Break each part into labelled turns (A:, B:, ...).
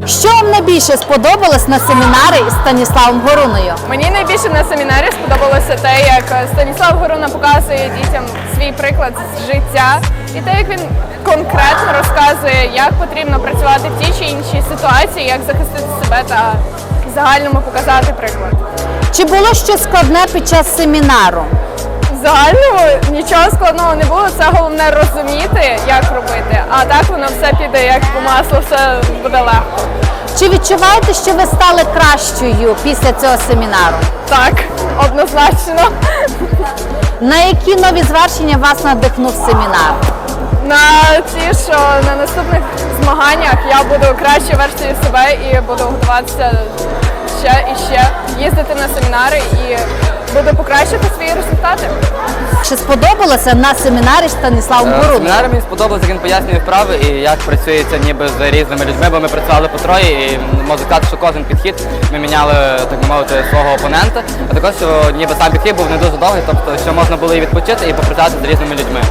A: Що вам найбільше сподобалось на семінарі із Станіславом Горуною?
B: Мені найбільше на семінарі сподобалося те, як Станіслав Горуна показує дітям свій приклад з життя і те, як він конкретно розказує, як потрібно працювати в тій чи іншій ситуації, як захистити себе та в загальному показати приклад.
A: Чи було щось складне під час семінару?
B: В загальному нічого складного не було, це головне розуміти, як робити, а так воно все піде як по маслу, все буде легко.
A: Чи відчуваєте, що ви стали кращою після цього семінару?
B: Так, однозначно.
A: На які нові звершення вас надихнув семінар?
B: На ті, що на наступних змаганнях я буду кращою версією себе і буду готуватися ще і ще, їздити на семінари і буду покращити свої результати.
A: Чи сподобалося на семінарі з Станіславом Горуною?
C: Семінар мені сподобалося, як він пояснює вправи і як працюється ніби з різними людьми, бо ми працювали по троє і можу сказати, що кожен підхід ми міняли, так би мовити, свого опонента, а також, що ніби сам підхід був не дуже довгий, тобто, що можна було і відпочити, і попрацювати з різними людьми.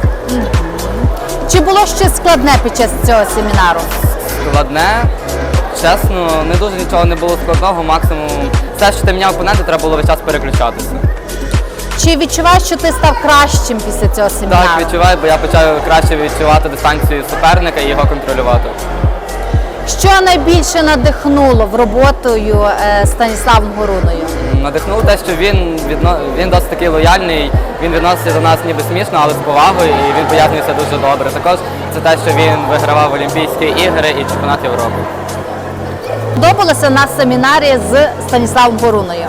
A: Чи було щось складне під час цього семінару?
C: Складне, чесно, не дуже нічого не було складного, максимум все, що ти міняв опонента, треба було весь час переключатися.
A: Чи відчуваєш, що ти став кращим після цього семінару?
C: Так, відчуваю, бо я почав краще відчувати дистанцію суперника і його контролювати.
A: Що найбільше надихнуло в роботою Станіславом Горуною?
C: Надихнуло те, що він досить такий лояльний, він відноситься до нас ніби смішно, але з повагою, і він пояснює все дуже добре. Також це те, що він вигравав Олімпійські ігри і чемпіонат Європи.
A: Подобалося на семінарі з Станіславом Горуною?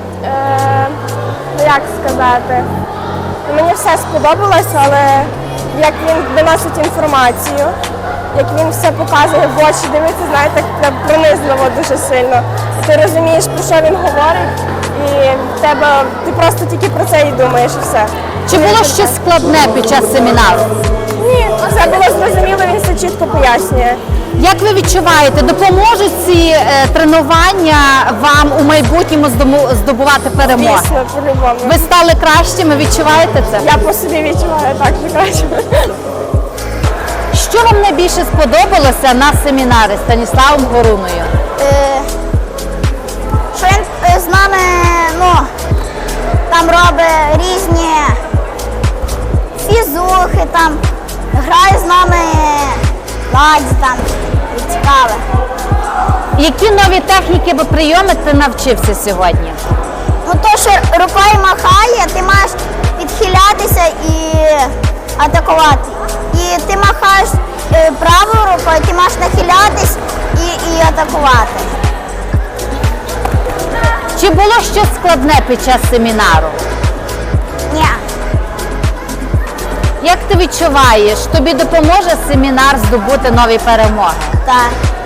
D: Як сказати, мені все сподобалось, але як він виносить інформацію, як він все показує в очі, дивиться, знаєте, так пронизливо дуже сильно. І ти розумієш, про що він говорить, і ти просто тільки про це і думаєш, і все.
A: Чи було щось складне під час семінару?
D: Ні, все було зрозуміло, він все чітко пояснює.
A: Як ви відчуваєте, допоможуть ці тренування вам у майбутньому здобувати перемоги?
D: Звісно, по-любому.
A: Ви стали кращими, відчуваєте це?
D: Я по собі відчуваю так, що краще.
A: Що вам найбільше сподобалося на семінарі з Станіславом Горуною?
E: Що він з нами там робить різні фізухи, там грає з нами ладзі там, і цікаве.
A: Які нові техніки або прийоми ти навчився сьогодні?
E: Ну то, що рукою махає, ти маєш відхилятися і атакувати. І ти махаєш правою рукою, ти маєш нахилятись і атакувати.
A: Чи було щось складне під час семінару?
E: Ні.
A: Як ти відчуваєш, тобі допоможе семінар здобути нові перемоги?
E: Так.